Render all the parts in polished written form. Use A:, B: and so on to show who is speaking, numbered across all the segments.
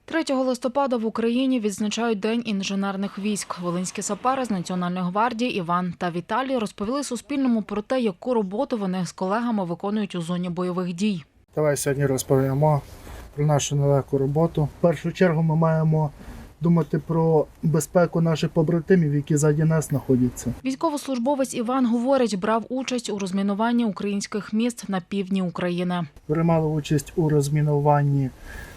A: 3 листопада в Україні відзначають День інженерних військ. Волинські сапери з Національної гвардії Іван та Віталій розповіли Суспільному про те, яку роботу вони з колегами виконують у зоні бойових дій.
B: Давай сьогодні розповімо про нашу нелегку роботу. В першу чергу ми маємо думати про безпеку наших побратимів, які ззаді нас знаходяться.
A: Військовослужбовець Іван говорить, брав участь у розмінуванні українських міст на півдні України.
B: Приймали участь у розмінуванні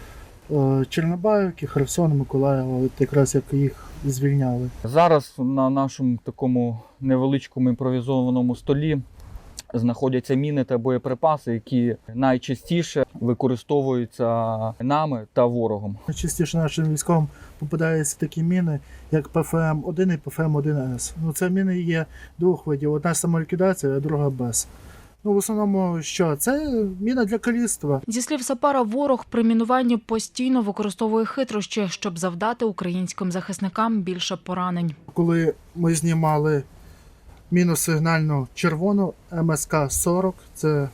B: Чорнобаївки, Херсона, Миколаєва, от якраз як їх звільняли.
C: Зараз на нашому такому невеличкому імпровізованому столі знаходяться міни та боєприпаси, які найчастіше використовуються нами та ворогом.
B: Найчастіше нашим військовим попадаються такі міни, як ПФМ-1 і ПФМ-1С. Це міни є двох видів. Одна самоліквідація, а друга без. В основному, що? Це міна для каліцтва.
A: Зі слів сапера, ворог при мінуванні постійно використовує хитрощі, щоб завдати українським захисникам більше поранень.
B: Коли ми знімали міну сигнальну червону МСК-40, це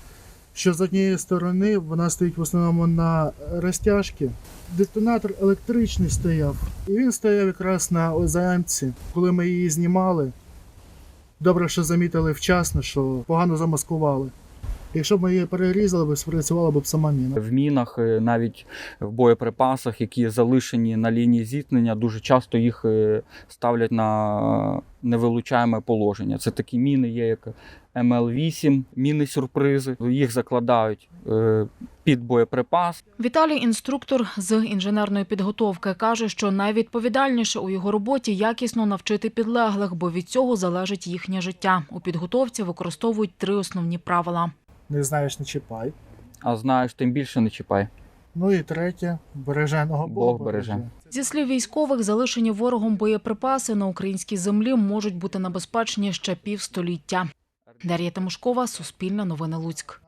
B: що з однієї сторони вона стоїть в основному на розтяжці. Детонатор електричний стояв, і він стояв якраз на ОЗМці. Коли ми її знімали, добре, що замітили вчасно, що погано замаскували. Якщо б ми її перерізали, спрацювала б сама міна.
C: В мінах, навіть в боєприпасах, які залишені на лінії зіткнення, дуже часто їх ставлять на невилучаєме положення. Це такі міни є, як МЛ-8, міни-сюрпризи. Їх закладають під боєприпас.
A: Віталій, інструктор з інженерної підготовки, каже, що найвідповідальніше у його роботі якісно навчити підлеглих, бо від цього залежить їхнє життя. У підготовці використовують 3 основні правила.
B: Не знаєш – не чіпай.
C: А знаєш, тим більше не чіпай.
B: І третє – береженого
C: Бог береже.
A: Зі слів військових, залишені ворогом боєприпаси на українській землі можуть бути небезпечні ще півстоліття. Дар'я Тимошкова, Суспільне новини Луцьк.